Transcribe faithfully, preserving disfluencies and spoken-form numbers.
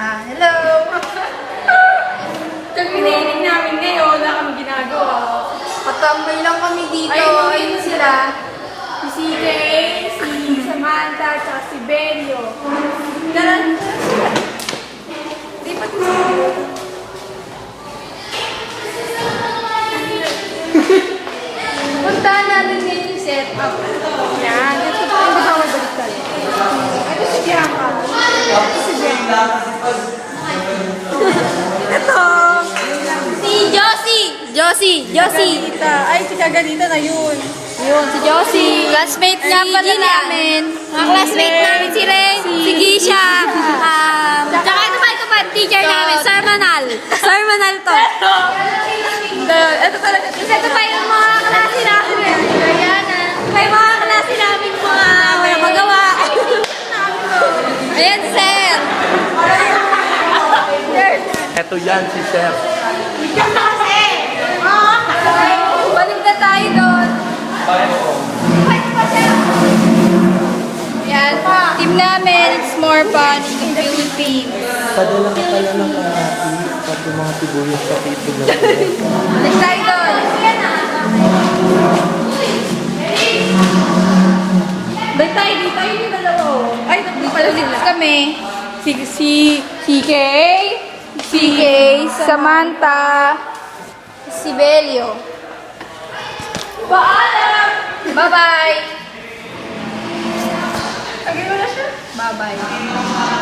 Ah, hello! Pag-training namin ngayon, wala kami ginagawa. Patambay lang kami dito. Ay, Ayun sila. Si C J, si Samantha, tsaka si Belio. Tara, tara sila. Di pa Puntahan natin ngayon yung setup. Yan, ito po yung kasama baliktad. Ito si Bianca. Ito si Bianca. Ito! Si Josie! Josie! Josie! Ganita. Ay, si Kaganita na yun. Yun, si Josie. Classmate nga pala namin. Mga classmate namin si Ray, si Gisha. Um, tsaka ito pa, ito pa, teacher namin, Sir Manal. Sir Manal to. Ito, ito talaga. Ito pa yung mga klase namin. Diana. May mga klase namin mga wala magawa. Ayan, sir. Eto yan si Chef. Balik na tayo doon. Yan, team namin, it's more fun in the Philippines. Padala ka pala ng kahati at yung mga sibuyas sa tito na. Balik tayo doon. Balik tayo dito. Ayun yung dalawa. oh. Ay, tatlo pala Ulit sila. kami. Si, si, si Kay, Si Kay, Samantha, si Belio. Paalam! Bye-bye! Tagay mo na siya? Bye-bye.